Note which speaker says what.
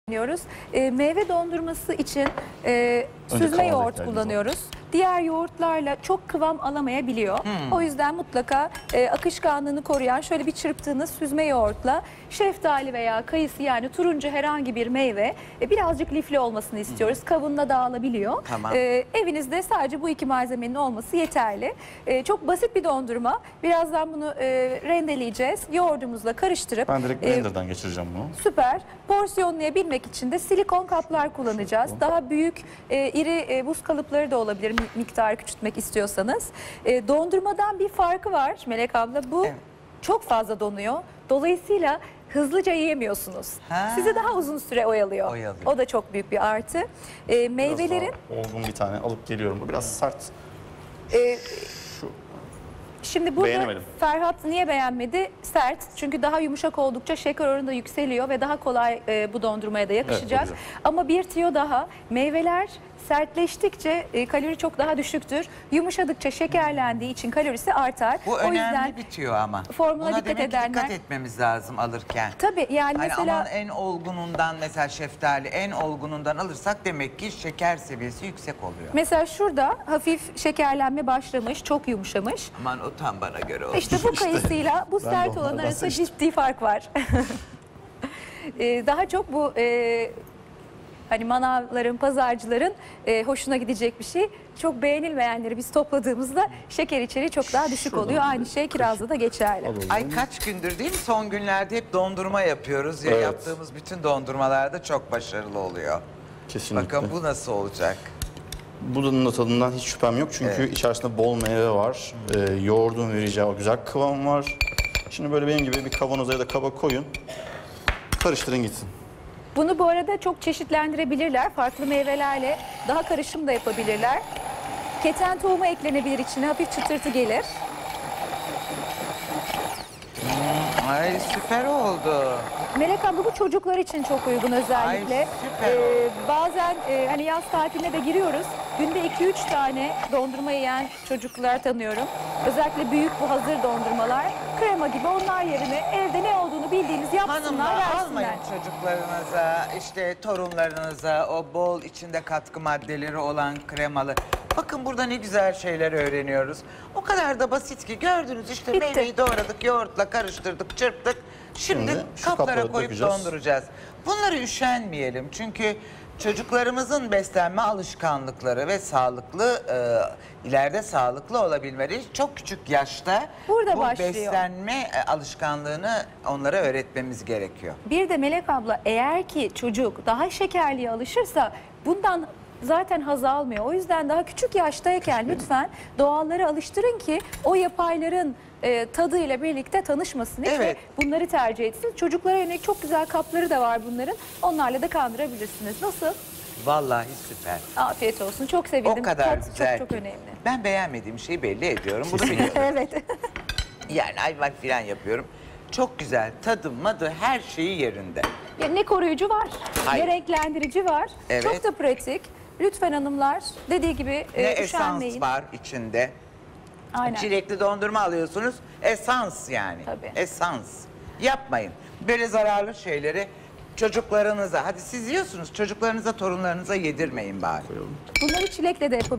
Speaker 1: kullanıyoruz. Meyve dondurması için süzme
Speaker 2: kıvama
Speaker 1: yoğurt
Speaker 2: ihtiyacımız
Speaker 1: kullanıyoruz. Diğer yoğurtlarla çok kıvam alamayabiliyor. O yüzden mutlaka akışkanlığını koruyan şöyle bir çırptığınız süzme yoğurtla şeftali veya kayısı, yani turuncu herhangi bir meyve, birazcık lifli olmasını istiyoruz. Kabında dağılabiliyor.
Speaker 3: Tamam.
Speaker 1: Evinizde sadece bu iki malzemenin olması yeterli. Çok basit bir dondurma. Birazdan bunu rendeleyeceğiz. Yoğurdumuzla karıştırıp
Speaker 2: Ben direkt blenderdan geçireceğim bunu.
Speaker 1: süper. Porsiyonlayabilmek için de silikon kaplar kullanacağız. Daha büyük, iri buz kalıpları da olabilir miktarı küçültmek istiyorsanız. Dondurmadan bir farkı var Melek abla. Bu çok fazla donuyor. Dolayısıyla hızlıca yiyemiyorsunuz. Sizi daha uzun süre oyalıyor. O da çok büyük bir artı. Meyvelerin...
Speaker 2: Biraz daha olgun bir tane alıp geliyorum. Bu biraz sert.
Speaker 1: Şimdi burada
Speaker 2: Beğenemedim.
Speaker 1: Ferhat niye beğenmedi? Sert. Çünkü daha yumuşak oldukça şeker oranı da yükseliyor ve daha kolay bu dondurmaya da yakışacak.
Speaker 2: Evet,
Speaker 1: ama bir tüyo daha. Meyveler sertleştikçe kalori çok daha düşüktür. Yumuşadıkça şekerlendiği için kalorisi artar.
Speaker 3: Bu
Speaker 1: o
Speaker 3: önemli
Speaker 1: yüzden
Speaker 3: bitiyor ama.
Speaker 1: formuna
Speaker 3: Buna
Speaker 1: dikkat
Speaker 3: demek ki
Speaker 1: edenler...
Speaker 3: dikkat etmemiz lazım alırken.
Speaker 1: Tabii yani
Speaker 3: Hani
Speaker 1: mesela...
Speaker 3: aman en olgunundan, mesela şeftali en olgunundan alırsak demek ki şeker seviyesi yüksek oluyor.
Speaker 1: Mesela şurada hafif şekerlenme başlamış, çok yumuşamış.
Speaker 3: Aman o tam bana göre oldu.
Speaker 1: İşte bu kayısıyla bu
Speaker 2: Ben
Speaker 1: sert
Speaker 2: de
Speaker 1: olan
Speaker 2: onlardan
Speaker 1: arasında
Speaker 2: seçtim.
Speaker 1: ciddi fark var. Daha çok bu hani manavların, pazarcıların hoşuna gidecek bir şey. Çok beğenilmeyenleri biz topladığımızda şeker içeriği çok daha düşük
Speaker 2: Şuradan
Speaker 1: oluyor. Aynı
Speaker 2: bir
Speaker 1: şey kirazda da geçerli.
Speaker 2: Alalım.
Speaker 3: Ay kaç gündür değil mi? Son günlerde hep dondurma yapıyoruz. Ya
Speaker 2: Evet.
Speaker 3: yaptığımız bütün dondurmalarda çok başarılı oluyor.
Speaker 2: Kesinlikle.
Speaker 3: Bakın bu nasıl olacak?
Speaker 2: Bunun da tadından hiç şüphem yok. Çünkü içerisinde bol meyve var. Yoğurdun vereceği o güzel kıvam var. Şimdi böyle benim gibi bir kavanoza ya da kaba koyun. Karıştırın gitsin.
Speaker 1: Bunu bu arada çok çeşitlendirebilirler. Farklı meyvelerle daha karışım da yapabilirler. Keten tohumu eklenebilir içine. Hafif çıtırtı gelir.
Speaker 3: Ay süper oldu.
Speaker 1: Melek abla bu çocuklar için çok uygun özellikle.
Speaker 3: Ay, süper oldu.
Speaker 1: Bazen hani yaz tatiline de giriyoruz. Günde 2-3 tane dondurma yiyen çocuklar tanıyorum. Özellikle büyük bu hazır dondurmalar. Krema gibi, onlar yerine evde ne olduğunu bildiğiniz yapsınlar,
Speaker 3: Hanımlar
Speaker 1: versinler.
Speaker 3: almayın çocuklarınıza, işte torunlarınıza o bol içinde katkı maddeleri olan kremalı. Bakın burada ne güzel şeyler öğreniyoruz. O kadar da basit ki, gördünüz işte
Speaker 1: Bitti.
Speaker 3: meyveyi doğradık, yoğurtla karıştırdık, çırptık. Şimdi
Speaker 2: şu
Speaker 3: kaplara
Speaker 2: kaplara
Speaker 3: koyup
Speaker 2: dökeceğiz.
Speaker 3: donduracağız. Bunları üşenmeyelim çünkü çocuklarımızın beslenme alışkanlıkları ve sağlıklı, ileride sağlıklı olabilmeleri çok küçük yaşta
Speaker 1: Burada
Speaker 3: bu
Speaker 1: başlıyor.
Speaker 3: beslenme alışkanlığını onlara öğretmemiz gerekiyor.
Speaker 1: Bir de Melek abla, eğer ki çocuk daha şekerliye alışırsa bundan zaten haz almıyor. O yüzden daha küçük yaştayken lütfen doğallara alıştırın ki o yapayların tadıyla birlikte tanışmasın hiç ve bunları tercih etsin. Çocuklara yönelik çok güzel kapları da var bunların. Onlarla da kandırabilirsiniz. Nasıl?
Speaker 3: Vallahi süper.
Speaker 1: Afiyet olsun. Çok sevindim.
Speaker 3: O kadar
Speaker 1: Tat
Speaker 3: güzel
Speaker 1: çok
Speaker 3: ki.
Speaker 1: önemli.
Speaker 3: Ben beğenmediğim şeyi belli ediyorum. Bunu biliyorum.
Speaker 1: Evet.
Speaker 3: Yani ayvan filan yapıyorum. Çok güzel. Tadı, madı, her şeyi yerinde.
Speaker 1: Ya ne koruyucu var,
Speaker 3: Hayır.
Speaker 1: ne renklendirici var.
Speaker 3: Evet.
Speaker 1: Çok da pratik. Lütfen hanımlar, dediği gibi
Speaker 3: Ne esans
Speaker 1: üşenmeyin.
Speaker 3: var içinde.
Speaker 1: Aynen.
Speaker 3: Çilekli dondurma alıyorsunuz. Esans yani.
Speaker 1: Tabii.
Speaker 3: Esans. Yapmayın. Böyle zararlı şeyleri çocuklarınıza, hadi siz yiyorsunuz, çocuklarınıza, torunlarınıza yedirmeyin bari.
Speaker 1: Bunları çilekle de yapabilirsiniz.